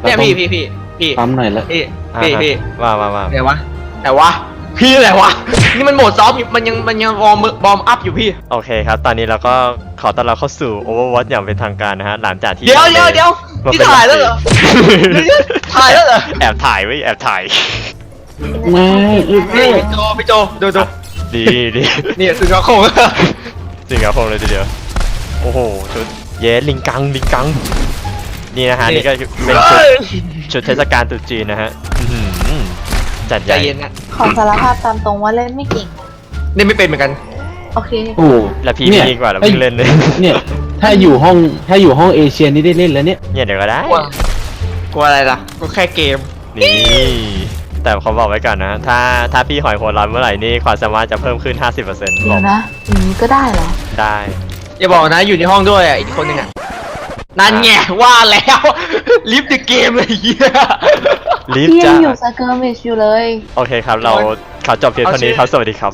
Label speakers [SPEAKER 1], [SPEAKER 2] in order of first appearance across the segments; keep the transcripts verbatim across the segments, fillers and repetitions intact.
[SPEAKER 1] เนี่ยพี่พี่พี่พี่
[SPEAKER 2] ปั๊มหน่อยละ
[SPEAKER 1] พี่พี่พี่
[SPEAKER 3] ว่าว่าว่า
[SPEAKER 1] ไหนวะไหนวะพี่ไหนวะนี่มันโหมดซ้อมอยู่มันยังมันยังวอร์มบอร์มอัพอยู่พี่
[SPEAKER 3] โอเคครับตอนนี้เราก็ขอต้อนรับเข้าสู่ Overwatch อย่างเป็นทางการนะฮะหลังจากที่
[SPEAKER 1] เดี๋ยวเดี๋ยวเดี๋ยวที่ถ่ายแล้วเหรอถ่ายแล้วเหรอ
[SPEAKER 3] แอบถ่ายไว้แอบถ่าย
[SPEAKER 2] ไม่อึด
[SPEAKER 1] นี่
[SPEAKER 2] เลย
[SPEAKER 1] พี่โจพี่โจดูดู
[SPEAKER 3] ดีดี
[SPEAKER 1] นี่สุดยอดโคง
[SPEAKER 3] จริงครับผมเลยทีเดียวโอ้โหชุดเย้ลิงกังลิงกังนี่นะฮะนี่ก็เป็นชุดชุดเทศกาลตรุษจีนนะฮะอื้อหือจัดให
[SPEAKER 1] ใจ
[SPEAKER 3] ญ่
[SPEAKER 1] เย็นนะ
[SPEAKER 4] ขอสารภาพตามตรงว่าเล่นไม่เก่ง
[SPEAKER 1] นี่ไม่เป็นเหมือนกัน
[SPEAKER 4] โอเค
[SPEAKER 2] โอ้
[SPEAKER 3] แล้วพี่
[SPEAKER 2] เนี่ย
[SPEAKER 3] ดีกว่าเราเพิ่งเล่นเลย
[SPEAKER 2] เนี่ยถ้าอยู่ห้องถ้าอยู่ห้องเอเชียนี่ได้เล่นแล้วเนี่ย
[SPEAKER 3] เนี่ยเดี๋ยวก็ได้
[SPEAKER 1] กลัวกลัวอะไรล่ะก็แค่เกม
[SPEAKER 3] นี่แต่เขาบอกไว้ก่อนนะถ้าถ้าพี่หอยหัวร้อนเมื่อไหร่นี่ความสามารถจะเพิ่มขึ้น ห้าสิบเปอร์เซ็นต์
[SPEAKER 4] เดี๋ยวนะอย่างนี้ก็ได้เหรอ
[SPEAKER 3] ได้
[SPEAKER 1] อย่าบอกนะอยู่ในห้องด้วยอ่ะอีกคนหนึงอ่ะนั่นไงว่าแล้วลิฟต์เดอะเกมเลยเฮีย
[SPEAKER 3] รีบ
[SPEAKER 4] พี่ยั
[SPEAKER 3] จ้าง
[SPEAKER 4] อยู่สเกอร์มิชอยู่เลย
[SPEAKER 3] โอเคครับเราเขาจบเพียงเท่านี้ครับสวัสดีครับ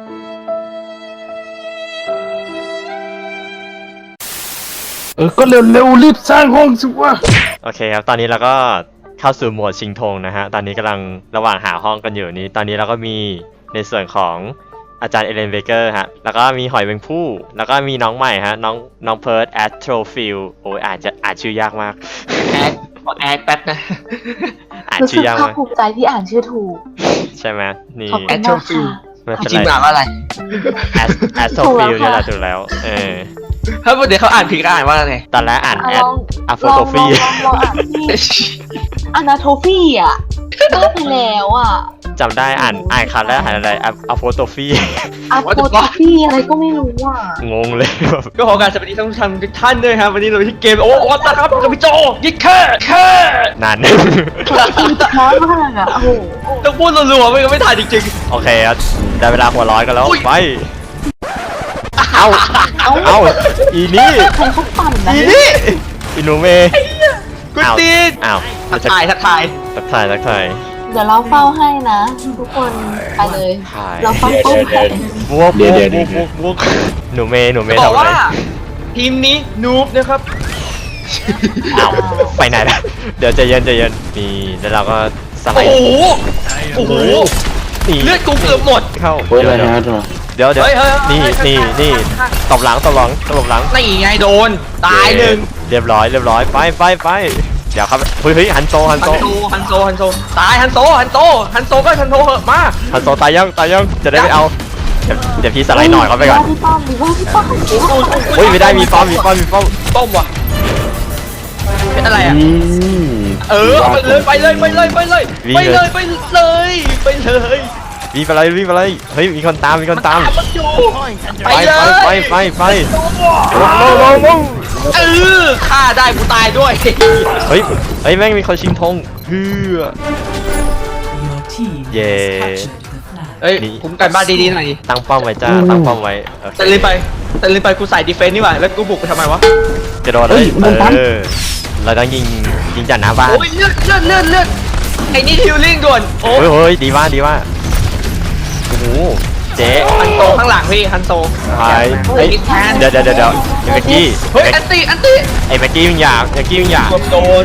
[SPEAKER 2] เออก็เร็วเร็วรีบสร้างห้องสิวะ
[SPEAKER 3] โอเคครับ ตอนนี้เราก็เข้าสู่โหมดชิงธงนะฮะ ตอนนี้กำลังระหว่างหาห้องกันอยู่นี้ ตอนนี้เราก็มีในส่วนของอาจารย์เอเลนเบเกอร์ฮะ แล้วก็มีหอยแมงผู้ แล้วก็มีน้องใหม่ฮะ น้องน้องเพิร์ดแอสโทรฟิลโอ้ยอาจจะอ่านชื่อยากมาก
[SPEAKER 1] แอดขอแอดแป๊บนะ
[SPEAKER 3] อ่าน
[SPEAKER 4] รู้
[SPEAKER 3] ชื่
[SPEAKER 4] สึก
[SPEAKER 3] อยากาก
[SPEAKER 4] ภามคภูมิใจที่อ่านชื่อถูก
[SPEAKER 3] ใช่ไหมนี่
[SPEAKER 4] ขอบคุณมากค่ะ
[SPEAKER 3] ไม่เป็น
[SPEAKER 1] จริงๆ
[SPEAKER 3] ไร
[SPEAKER 1] อ่านว่าอะไร
[SPEAKER 3] แอสแอสโทรฟิลนี่แหละถูกแล้ว เออ
[SPEAKER 1] ถ้าเดี๋ยวเขาอ่านผิดก็อ่านว่าไง
[SPEAKER 3] ตอนแรกอ่าน
[SPEAKER 4] อ่ะ
[SPEAKER 3] แอ
[SPEAKER 4] ล
[SPEAKER 3] ด
[SPEAKER 4] อง
[SPEAKER 3] อะโฟ
[SPEAKER 4] ลอง
[SPEAKER 3] โต
[SPEAKER 4] ลอง
[SPEAKER 3] ฟี
[SPEAKER 4] ลองลองอ่านที่อนาโทฟีอ่ะได้ไปแล้วอ่ะ
[SPEAKER 3] จำได้อ่านอ่านคำแรกอ่านอะไรอะโฟโตฟี
[SPEAKER 4] อะโทฟีอะไรก็ไม่รู้อ่ะ
[SPEAKER 3] งงเลยแบบ
[SPEAKER 1] ก็ขอการสวัสดีท่านผู้ชมทุกท่านด้วยครับวันนี้เราที่เกมโอ้วัตนะครับกับพี่โจยิงแค่แค่
[SPEAKER 3] นาน
[SPEAKER 4] อินท้ามากอ่ะโอ้โห
[SPEAKER 1] ต้องพูดรัวๆไม่งั้นไม่ทันจริง
[SPEAKER 3] โอเคครับได้เวลาหัวร้อนกันแล้ว
[SPEAKER 1] อุ๊ย
[SPEAKER 3] ไป เอา
[SPEAKER 4] เอ้า
[SPEAKER 3] เอาอีนี่
[SPEAKER 4] ใครเขาปั่นนะ
[SPEAKER 3] อีนี่อีหนูเมย์
[SPEAKER 1] ๆกุตีน
[SPEAKER 3] อ้าว
[SPEAKER 1] ทักทายทักทาย
[SPEAKER 3] ทักทายทักทาย
[SPEAKER 4] เดี๋ยวเราเฝ้าให้นะ ทุกคนไปเลย
[SPEAKER 3] ถ่าย
[SPEAKER 4] เราเฝ้าเป้าให้
[SPEAKER 3] บวกบวกบวกบวกบวกหนูเมย์หนูเม
[SPEAKER 1] จะ
[SPEAKER 3] ย์
[SPEAKER 1] บอก
[SPEAKER 3] ทำอะไร
[SPEAKER 1] ว่าทีมนี้นูบนะครับ
[SPEAKER 3] อ้าวไปไหนนะเดี๋ยวใจเย็นใจเย็นนี่แล้วเราก็สไล
[SPEAKER 1] โอ้
[SPEAKER 3] ด์
[SPEAKER 1] โหโอ้โห
[SPEAKER 3] นี่
[SPEAKER 1] เลือดกูเกือบหมด
[SPEAKER 3] เข้า
[SPEAKER 2] โอ้ย
[SPEAKER 3] เดี๋
[SPEAKER 2] อะ
[SPEAKER 3] ยว
[SPEAKER 2] ไร
[SPEAKER 3] เดี๋ยว
[SPEAKER 2] นะ
[SPEAKER 3] เดี๋ยวเดี๋ยว
[SPEAKER 1] เฮ้ยเฮ้ยเฮ้ย
[SPEAKER 3] นี่
[SPEAKER 1] เฮ้ย
[SPEAKER 3] นี่
[SPEAKER 1] ข้างๆ
[SPEAKER 3] นี่
[SPEAKER 1] ข้างๆ
[SPEAKER 3] ตบหลังตบหลังตบหลัง
[SPEAKER 1] นี่ไงโดนตายหนึ่ง
[SPEAKER 3] เรียบร้อยเรียบร้อยไปไปไปเดี๋ยวครับเฮ้ยเฮ้ยฮันโซฮัน
[SPEAKER 1] ฮั
[SPEAKER 3] โซ
[SPEAKER 1] นโซฮันโซฮันโซตายฮันโซฮันโซฮันโซก็ฮันโซเหอะมา
[SPEAKER 3] ฮันโซตายยังตายยังจะได้ไม่เอาเดี๋ยวเดี๋ยวพี่สไลด์หน่อยเขาไปก่อน
[SPEAKER 4] ว่าพี่ป้อมดีว่าพี่ป้อมดีว่าพี่ป้อม
[SPEAKER 3] เฮ้ยไม่ได้มีป้อมมีป้อมมีป้อม
[SPEAKER 1] ต้มว่ะเป็นอะไรอ่ะ
[SPEAKER 2] อืม
[SPEAKER 1] เออเอาไปเลยไปเลยไปเลยไปเลยไปเลยไปเลยไปเลย
[SPEAKER 3] วิ่งไปเลยวิ่งไปเลยเฮ้ยมีคนตามมีคนตาม
[SPEAKER 1] มันอยู่
[SPEAKER 3] ไป
[SPEAKER 1] ไปเลย
[SPEAKER 3] ไปไปไปลงลงลงลง
[SPEAKER 1] เออฆ่าได้กูตายด้วย
[SPEAKER 3] เฮ้ยเฮ้ยแม่งมีคนชิงธงเฮือเย่
[SPEAKER 1] เอ้ยคุ้มกันบ้านดีๆหน่อยดิ
[SPEAKER 3] ตั้งป้อมไว้จ้าตั้งป้อมไว้โอเค
[SPEAKER 1] แต่ลืมไปแต่ลืมไปกูใส่ดีเฟนต์นี่หว่าแล้วกูบุกไปทำไมวะ
[SPEAKER 3] กระโดดเลยเออเราต้องยิงยิงจากหน้าบ้าน
[SPEAKER 1] โอ้ยเลือดเลือดเลือดเลือดไอ้นี่ฮิลลิ่งด่วนโอ้
[SPEAKER 3] เฮ้ยเฮ้ยดีว่าดีว่าโอ้โหเจ๊
[SPEAKER 1] ฮันโซข้างหลังพี่ฮันโซ
[SPEAKER 3] ไปเฮ้ยเดี๋ยวเดี๋ยวเดี๋ยวเดี๋ยวไอ้แม็กกี้
[SPEAKER 1] เฮ้ยอันตีอันตี
[SPEAKER 3] ไอ้แม็กกี้มึงอย่าแม็กกี้มึงอย่า
[SPEAKER 1] โดน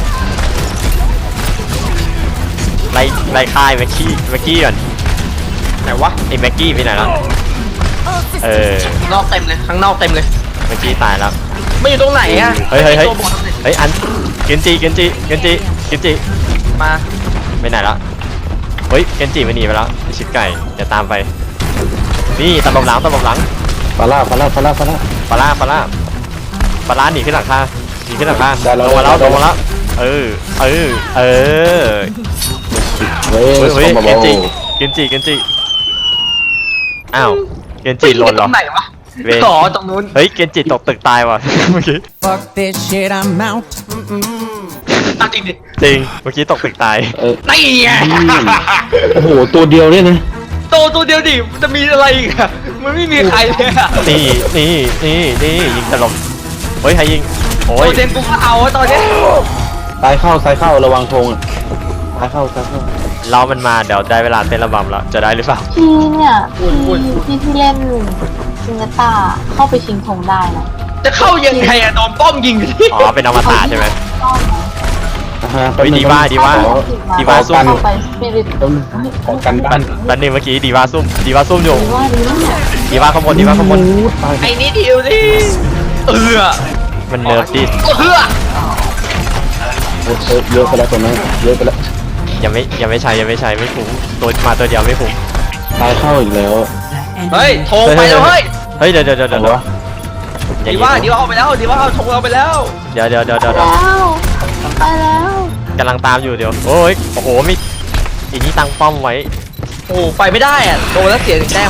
[SPEAKER 3] ไล่ไล่ค่ายแม็กกี้แม็กกี้ก่อน
[SPEAKER 1] ไหนวะ
[SPEAKER 3] ไอ้แม็กกี้ไปไหนแล้วเออน
[SPEAKER 1] อกเต็มเลยข้างนอกเต็มเลย
[SPEAKER 3] แม็กกี้ตายแล้ว
[SPEAKER 1] ไม่อยู่ตรงไหนอะ
[SPEAKER 3] เฮ้ยเฮ้ยเฮ้ย
[SPEAKER 1] ตัวบอลตรงไหน
[SPEAKER 3] เฮ้ยอันเกนจิเกนจิเกนจิเกนจิ
[SPEAKER 1] มา
[SPEAKER 3] ไปไหนแล้วเฮ้ยเกนจิมันหนีไปแล้วไอ้ชิบไก่อย่าตามไปนี่ตำลมหลังตำลมหลัง
[SPEAKER 2] ปลาล่าปลาล่าปลาล่าปลาล่า
[SPEAKER 3] ปลาล่าปลาล่าปลาล่าหนีขึ้นหลังคาหนีขึ้นหลังคา
[SPEAKER 2] ได้แล้ว
[SPEAKER 3] ลงมาแล้ว
[SPEAKER 2] ได้
[SPEAKER 3] ล
[SPEAKER 2] แล้ว
[SPEAKER 3] งมาแล้วเออเออเออ
[SPEAKER 2] เฮ้ย
[SPEAKER 3] เฮ้ยเฮ้ย
[SPEAKER 2] เข้ามา
[SPEAKER 3] เกนจิ
[SPEAKER 2] เบา
[SPEAKER 3] เกนจิเกนจิอ้าวเกนจิหล่นเหรอ
[SPEAKER 1] ตรงไหนวะ
[SPEAKER 3] เวร
[SPEAKER 1] ขอตรงนู้น
[SPEAKER 3] เฮ้ยเกนจิตกตึกตายว่ะ เมื่อกี้
[SPEAKER 5] Fuck this shit, I'm out.
[SPEAKER 1] ตั้งจริงดิ
[SPEAKER 3] จริงเมื่อกี้ตกตึกตาย
[SPEAKER 2] เออ
[SPEAKER 1] นี่ไง
[SPEAKER 2] โอ้โหตัวเดียวเนี่ยนะ
[SPEAKER 1] โตตัวเดียวดิจะมีอะไรอีกอะมันไม่มีใครเลยอะ
[SPEAKER 3] นี่นี่นี่นี่ยิงถล่มเฮ้ยใครยิงโอ้
[SPEAKER 1] โอย เดนกูก็เอาอะตอนเนี้ย
[SPEAKER 2] ซ้ายเข้าซ้ายเข้าระวังธงอ่ะซ้ายเข้าซ้ายเข้า
[SPEAKER 3] เรามันมาเดี๋ยวได้เวลาเต้นระบำแล้วจะได้หรือเปล่า
[SPEAKER 4] พี่เนี่ยพี่พี่ที่เล่นซิงเกต้าเข้าไปชิงธงได้นะ
[SPEAKER 1] จะเข้ายังไงอะโดนป้อมยิงดิ
[SPEAKER 3] อ๋อเป็นอมตะใช่ไหม
[SPEAKER 4] ต้องนะ
[SPEAKER 2] ฮอ่าฮะ
[SPEAKER 3] เฮ้ยดีว่าดีว่า ดีว่าซุ่ม
[SPEAKER 4] เข้าไปสปิริต
[SPEAKER 2] ต้องขอกันบ้าน
[SPEAKER 3] แป๊บนึงเมื่อกี้ดีว่าซุ่มดีว่าซุ่มอยู่
[SPEAKER 4] ดีว่าดีว่า
[SPEAKER 3] ดีว่าขโมยดีว่าขโมย
[SPEAKER 2] ตาย
[SPEAKER 1] ไอ้นี่ดิวดิเออ
[SPEAKER 3] มันเนิร์ฟดิ
[SPEAKER 1] เออ
[SPEAKER 2] โอ้โหเยอะไปแล้วตัวนั้นเยอะไปแล้ว
[SPEAKER 3] ยังไม่ยังไม่ใช้ยังไม่ใช้ไม่คุ้มตัวมาตัวเดียวไม่คุ้ม
[SPEAKER 2] ตายเข้าอีกแล้ว
[SPEAKER 1] เฮ้ยโทรไปแล้วเฮ้ย
[SPEAKER 3] เฮ้ยเดี๋ยวเดี๋ยวเดี๋ยว
[SPEAKER 2] เอา
[SPEAKER 3] เดี๋ยว
[SPEAKER 2] วะ
[SPEAKER 3] อย่
[SPEAKER 1] ดี
[SPEAKER 3] ง
[SPEAKER 1] ว่า
[SPEAKER 3] นี้
[SPEAKER 1] ดีว่าเอาไปแล้วดีว่าเอาโทรเอาไปแล้ว
[SPEAKER 3] เดี๋ยวเดี๋ยวเดี๋ยว
[SPEAKER 4] ไป
[SPEAKER 3] เดี๋ยวเดี๋ยว
[SPEAKER 4] แล้วไปแล้ว
[SPEAKER 3] กำลังตามอยู่เดี๋ยวโอ้ยโอ้โหมีอีนี่ตั้งป้อมไว้
[SPEAKER 1] โอ้ไปไม่ได้อะโดนแล้วเสียหนึ่งแต้ม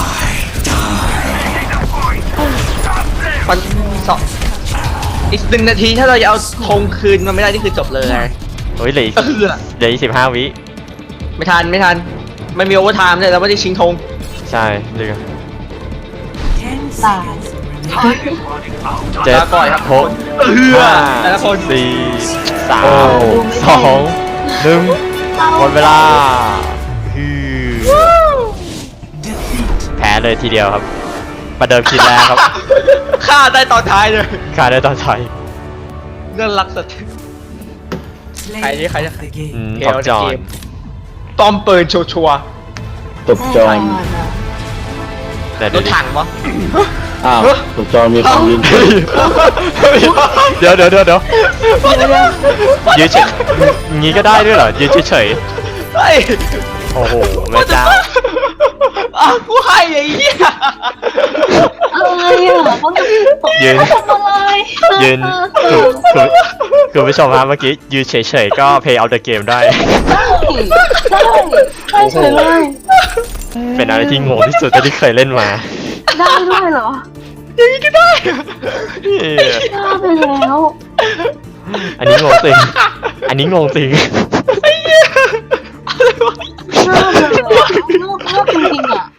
[SPEAKER 1] มันสองอีกหนึ่งนาทีถ้าเราจะเอาธงคืนมันไม่ได้นี่คือจบเลย
[SPEAKER 3] เฮ้ยเหลืออีก
[SPEAKER 1] เออ
[SPEAKER 3] เหลืออีกสิบห้าวิ
[SPEAKER 1] ไม่ทันไม่ทันไม่มีโอเวอร์ไทม์เลยเราไม่ได้ชิงธง
[SPEAKER 3] ใช่เดี๋ยว
[SPEAKER 4] ตาย
[SPEAKER 3] เจ็ด
[SPEAKER 1] ลาก่อยครับ
[SPEAKER 3] หก
[SPEAKER 1] เออ
[SPEAKER 3] ห้า
[SPEAKER 1] แต่ละคน
[SPEAKER 3] สี่สามสองหนึ่งหมดเวลาฮือแพ้เลยทีเดียวครับ ประเดิมคิดแรกครับ
[SPEAKER 1] ฆ่าได้ตอนท้ายเลย
[SPEAKER 3] ขาดได้ตอนท้าย
[SPEAKER 1] เรื่องรักสัตว์ใครนี่ใครจะ
[SPEAKER 3] อืม
[SPEAKER 1] เก
[SPEAKER 3] ท็อป
[SPEAKER 1] ล
[SPEAKER 3] จอ
[SPEAKER 1] ใน
[SPEAKER 3] น
[SPEAKER 1] เกมปอมปืนชัวร์
[SPEAKER 2] ตบจอม
[SPEAKER 3] แต่
[SPEAKER 1] ๆร
[SPEAKER 3] ดู
[SPEAKER 1] ถ
[SPEAKER 3] ดิ
[SPEAKER 1] ถังวะ
[SPEAKER 2] อ้าวตบจอมมีความยิน
[SPEAKER 3] เดี๋ยวเดี๋ยวเดี๋ยวเดี๋ยวยืนเฉยงี้ก็ได้ด้วยเหรอยืนเฉย
[SPEAKER 1] เฮ้ย
[SPEAKER 3] ๆโอ้โหแม่เจ้า
[SPEAKER 1] อ่ะกูให้ไอ้เหี้ย
[SPEAKER 4] อะไรอ่ะเขาจะ
[SPEAKER 3] ยืน
[SPEAKER 4] ทำอะไร
[SPEAKER 3] ยืนคือคือคือผู้ชมฮะเมื่อกี้ยืนเฉยๆก็ play out the game ได้
[SPEAKER 4] ได้ได้ได้เฉยเลย
[SPEAKER 3] เป็นอะไรที่งงที่สุดเท่าที่เคยเล่นมา
[SPEAKER 4] ได้ด้วยเหรอ
[SPEAKER 1] อย่างนี้ก็ได้
[SPEAKER 3] เอ้ย
[SPEAKER 4] ได้ไปแล้ว
[SPEAKER 3] อันนี้งงจริง อันนี้งงจริง
[SPEAKER 4] น่าเลยอ่ะน่าจริงๆอ่ะ